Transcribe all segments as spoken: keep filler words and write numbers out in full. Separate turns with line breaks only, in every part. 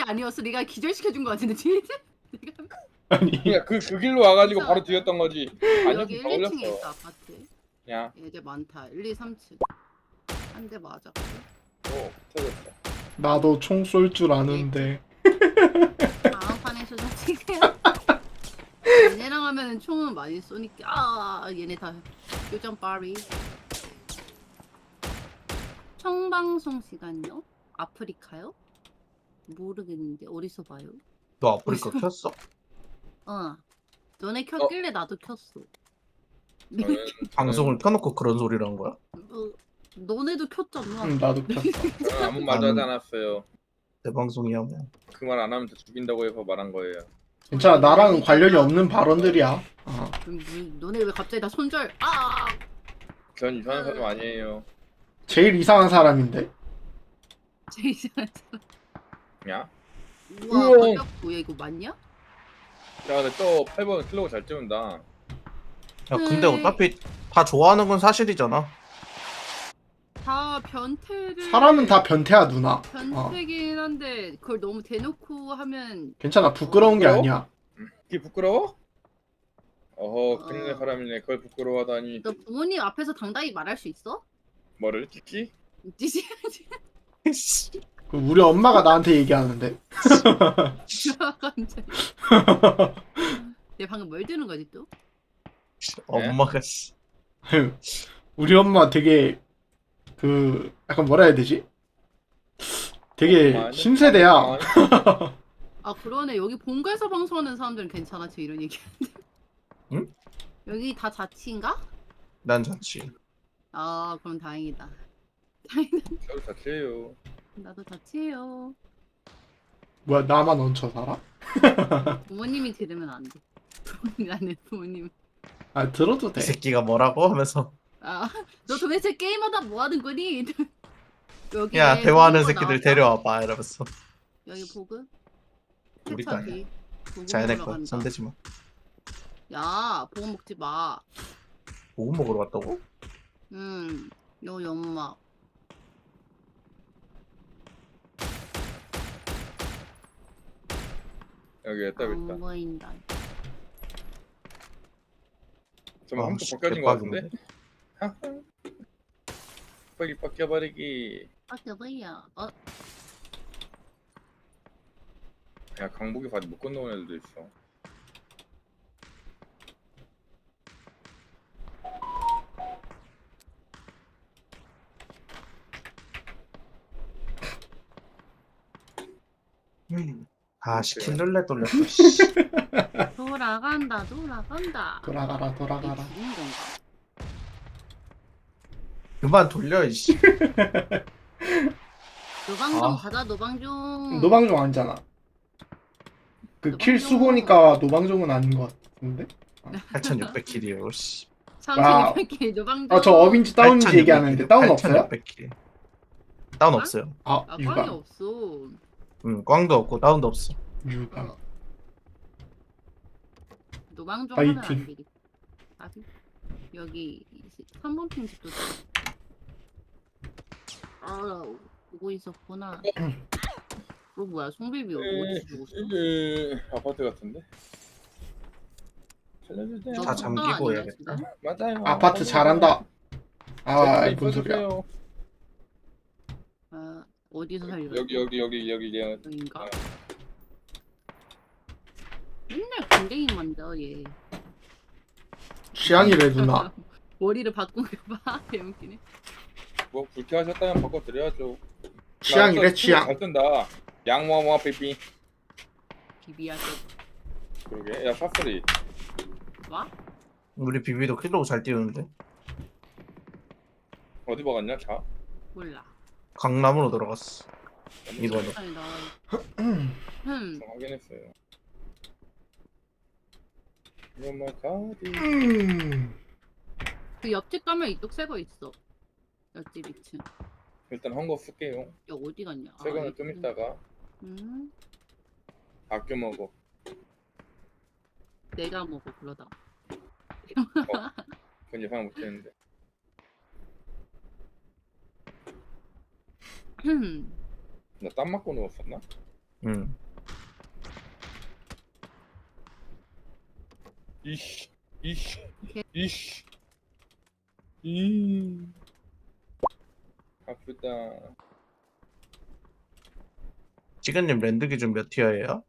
아니었어. 네가 기절시켜준 거 같은데 뒤에. 네가
아니
그냥 그, 그 길로 와가지고 바로
진짜.
뒤였던 거지.
여기
아니었으면 더
일, 이 층에
올렸어.
있어 아파트.
야,
얘들 많다. 일, 이, 삼 층. 한 대 맞았고.
오, 터졌어.
나도 총 쏠 줄 아는데.
다음 판에서 좀 찍게요. 얘네랑 하면은 총은 많이 쏘니까. 아 얘네 다 요정 바리. 청방송 시간요? 아프리카요? 모르겠는데 어디서 봐요?
너 아프리카 켰어?
어. 너네 켰길래 나도 켰어.
저는
방송을 켜놓고 그런 소리를 한 거야?
어, 너네도 켰잖아.
응 나도 켰어.
저는 아무 말도 하지 않았어요.
내 방송이야 뭐.
그 말 안 하면 더 죽인다고 해서 말한 거예요.
괜찮아 나랑 관련이 없는 발언들이야. 어.
그럼 뭐, 너네 왜 갑자기 다 손절? 아!
전 이상한 사람 아니에요.
제일 이상한 사람인데.
제일 이상한 사람.
야,
우와
우와.
가볍고. 야 이거 맞냐?
야, 근데 또 팔 번 클로우 잘 찍는다.
야 근데
네.
어차피 다 좋아하는 건 사실이잖아.
다 변태를.
사람은 다 변태야 누나. 어.
변태긴 한데 그걸 너무 대놓고 하면.
괜찮아 부끄러운 게
부끄러워?
아니야.
그게 부끄러워? 어허, 큰일 날
어.
사람이네. 그걸 부끄러워하다니.
너 부모님 앞에서 당당히 말할 수 있어?
뭐를 찍지?
찌지.
그 우리 엄마가 나한테 얘기하는데.
갑자기. 얘 방금 뭘 들은 거지 또?
엄마가 씨.
우리 엄마 되게 그 약간 뭐라 해야 되지? 되게
엄마,
신세대야.
엄마.
아 그러네. 여기 본가에서 방송하는 사람들은 괜찮아. 저 이런 얘기하는데.
응?
여기 다 자취인가?
난 자취.
아 그럼 다행이다. 다행이다.
저도 자체예요.
나도 자취해요.
뭐야 나만 얹혀 살아?
부모님이 들으면 안 돼. 부모님 안해 부모님.
아 들어도
이
돼.
새끼가 뭐라고 하면서
아너 도대체 게임하다 뭐 하는 거니? 여기
야 대화하는 새끼들 데려와봐 이러면서.
여기 보급.
우리가 아니야.
세차기. 보급
자연의
먹으러
거
간다.
손대지 마.
야 보급 먹지 마.
뭐 먹으러 갔다고?
음. 요 연막.
여기 있다, 여기 있다.
안 보인다.
정말
아,
한번
씨,
벗겨진 거
대박이네.
같은데? 빨리 벗겨버리기.
아 여보야. 어
야, 강북이 바지 못 건너온 애들도 있어.
아 시킨 룰렛 돌렸어. 씨.
돌아간다 돌아간다.
돌아가라
이게
돌아가라.
죽은 건가?
그만 돌려 이씨.
노방종
아.
가자 노방종.
노방종 아니잖아. 그 킬
노방종.
수고니까 노방종은 아닌 것 같은데?
팔천육백 킬이에요. 씨.
삼천육백 개 노방종.
아 저 어빈지 다운인지
팔천육백
얘기하는데
킬이요.
다운 없어요?
팔천육백 킬. 다운 없어요.
아
아 꽝이
유감
없어.
응 꽝도 없고 다운도 없어.
유감.
노방종
파이팅.
하면 안 되겠다. 아, 여기 삼 번 핑 집도. 아 오고 있었구나. 어 뭐야 송비비 어디 죽었어?
으, 아파트 같은데? 살려주세요.
너
다
쏜다
잠기고
아니야,
해야겠다.
지금?
맞아요.
아파트 잘한다. 아 뭔 소리야?
써주세요.
아 어디서 살려?
여기 여기 여기 여기 그냥
여긴가? 맨날 군댕이 만져 얘.
취향이래 누나.
머리를 바꾼 거 봐. 개웃기네.
뭐 불쾌하셨다면 바꿔드려야죠.
취향이래 취향.
잘 뜬다. 양모모 삐삐.
비비하게.
그러게. 야 사슬이.
와?
우리 비비도 킬로우 잘 띄우는데.
어디 박았냐 차?
몰라.
강남으로 들어갔어. 이번에.
아니 나. 음.
좀 확인했어요. 이건 뭐 가디.
음.
그 옆집 가면 이쪽 새거 있어. 옆집 이 층.
일단 한 거 쓸게요.
야 어디 갔냐?
새 거는
아,
좀
여기.
있다가
음.
아껴 먹어.
내가 먹어 그러다.
그건 예상 못했는데.
음.
나 땀 맞고 누웠었나?
응.
이씨 이씨
오케이.
이씨 이 아프다.
지근님 랜드 기준 몇 티어예요?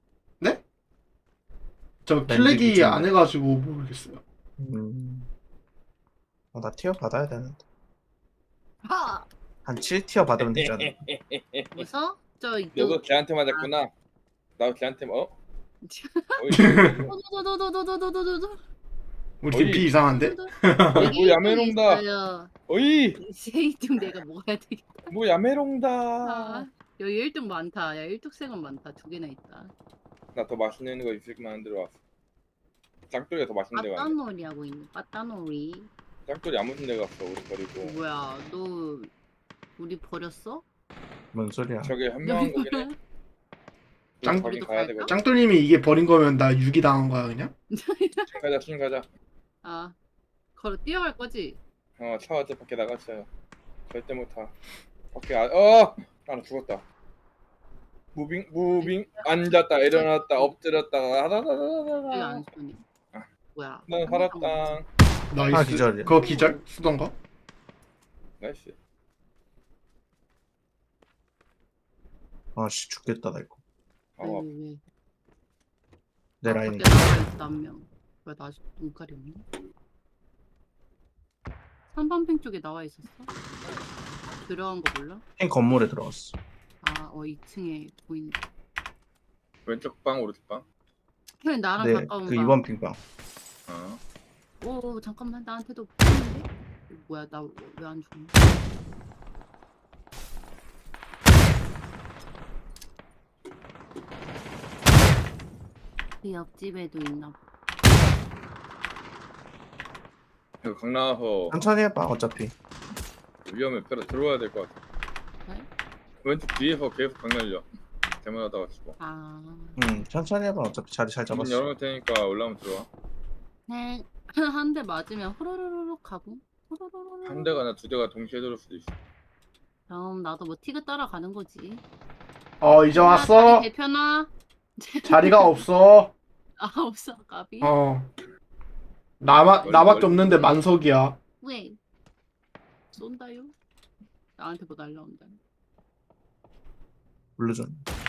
저
랜드
플래기
기준이요.
안 해가지고 모르겠어요.
음. 어, 나 티어 받아야 되는데.
하!
한 칠 티어 받으면 되잖아.
무서? 저
너도 걔한테 맞았구나. 나도 걔한테 어? 어이,
도도도도도도도도도도.
우리 팀
어이.
피 이상한데?
뭐 야매롱다. 어이
이제 일 등 내가 먹어야 되겠다.
뭐 야매롱다.
아, 여기 일 등 많다. 야, 일뚝생은 많다. 두 개나 있다.
나 더 맛있는 거 있을 만한 데로 왔어. 짱돌이가 더 맛있는 데가 아니야.
빠따놀이 하고 있네. 빠따놀이.
짱돌이 아무 데 갔어 우리 버리고.
뭐야, 너 우리 버렸어?
뭔 소리야?
저게 현명한 거긴 해.
짱-
거긴
우리도
가야
갈까?
되거든.
짱돌님이 이게 버린 거면 나 유기 당한 거야 그냥?
가자 신 가자.
아, 걸어 뛰어갈 거지?
어 차 어제 밖에 나갔어요. 절대 못 타. 밖에 아 어! 아 죽었다. 무빙 무빙 앉았다 일어났다 엎드렸다
왜
하다다다다다.
안 쏘니?
아.
뭐야?
난 살았다.
나이스.
아, 기절이야.
그거 기절? 쓰던가?
나이스.
아씨 죽겠다 나 이거.
아,
왜, 왜, 왜?
내
아,
라인이.
밖에 나가 있어, 한 명. 왜 나 아직 눈깔이 없니? 삼 번 핑 쪽에 나와 있었어? 들어간 거 몰라?
핑 건물에 들어갔어.
아, 어, 이 층에 보이는.
왼쪽 방 오른쪽 방.
그냥 나랑
네,
가까운
그
방.
이번 핑방.
어.
오, 잠깐만, 나한테도 보이는데? 뭐야, 나 왜 안 죽니? 그 옆집에도 있나 봐.
이거 강 나와서
천천히 해봐 어차피.
위험해. 별로 들어와야 될 것 같아.
네?
왼쪽 뒤에서 계속 강 날려. 대만하다가 죽어.
아,
응 천천히 해봐 어차피 자리 잘
문
잡았어.
열어놓을 테니까 올라오면 들어와.
네. 한 대 맞으면 호로로로록 가고. 호로로로록.
한 대가 나 두 대가 동시에 들을 수도 있어.
그럼 나도 뭐 티그 따라가는 거지.
어 이제
아,
왔어.
다리 대표나?
자리가 없어.
아, 없어, 까비.
어. 나마, 나밖에 없는데 만석이야.
왜? 쏜다요? 나한테 뭐 날라온다.
물려줘.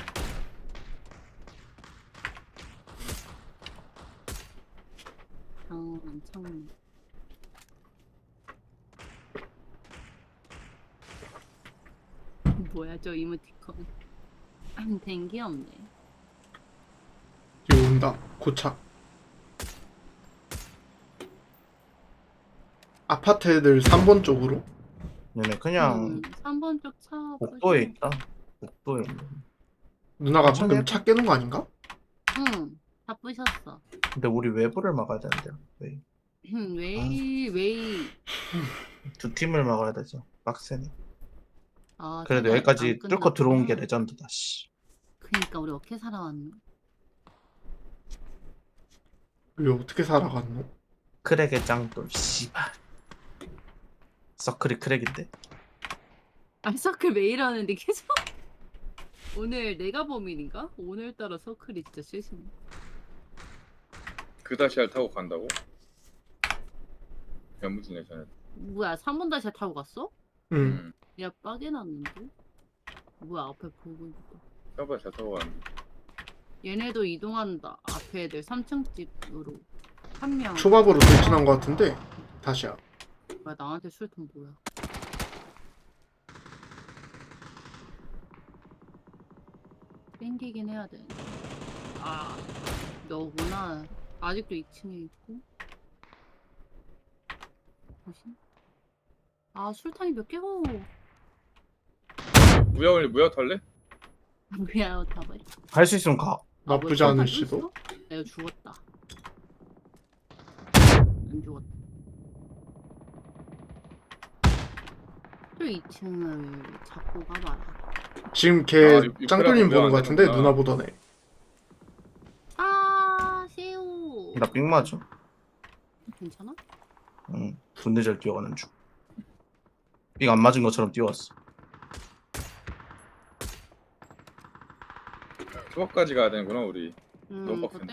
어, 엄청. 뭐야, 저 이모티콘. 된 게 없네.
여기 온다. 고차. 아파트 애들 삼 번 쪽으로.
얘네 그냥
음, 삼 번 쪽 차.
복도에
부시고.
있다. 복도에 있네.
누나가
천천히
방금
해봐.
차 깨는 거 아닌가?
응, 다 부셨어.
근데 우리 외부를 막아야 되는데요. 왜?
음, 웨이, 웨이.
두 팀을 막아야 되죠. 빡세네.
아,
그래도
생각
여기까지
안
뚫고 들어온 게
끝났구나.
레전드다. 씨.
그니까 우리 어떻게 살아왔노?
왜 어떻게 살아갔노?
크랙의 짱돌. 씨발. 서클이 크랙인데.
아, 서클 매일 하는데 계속. 오늘 내가 범인인가? 오늘따라 서클이 진짜 실수네.
그 다시알 타고 간다고? 연무지네 전에.
뭐야, 삼 번 다시 타고 갔어?
응.
음.
야, 빠개났는데? 뭐야, 앞에 보고 있다.
서버 잘 타고 가는데.
얘네도 이동한다. 앞에 애들 삼 층 집으로. 한 명.
초밥으로 돌진한 거 같은데 다시야.
뭐야, 나한테 술통 뭐야. 땡기긴 해야 돼. 아, 너구나. 아직도 이 층에 있고. 뭐지? 아, 술탄이 몇 개고.
무야 올리 무야 탈래?
뭐야, 타봐.
할 수 있으면 가.
나쁘지 않을 수도.
내가 죽었다. 안 죽었다. 또 이 층을 잡고 가봐라.
지금
아,
걔
육-
짱돌님
육회랑
보는 거
안
같은데
되는구나.
누나 보던 애.
아, 새우.
나 삥 맞아.
괜찮아?
응. 분대 잘 뛰어가는 중. 삥 안 맞은 것처럼 뛰어왔어.
수업까지 가야 되는구나 우리.
음,
너무
그거
빡센데.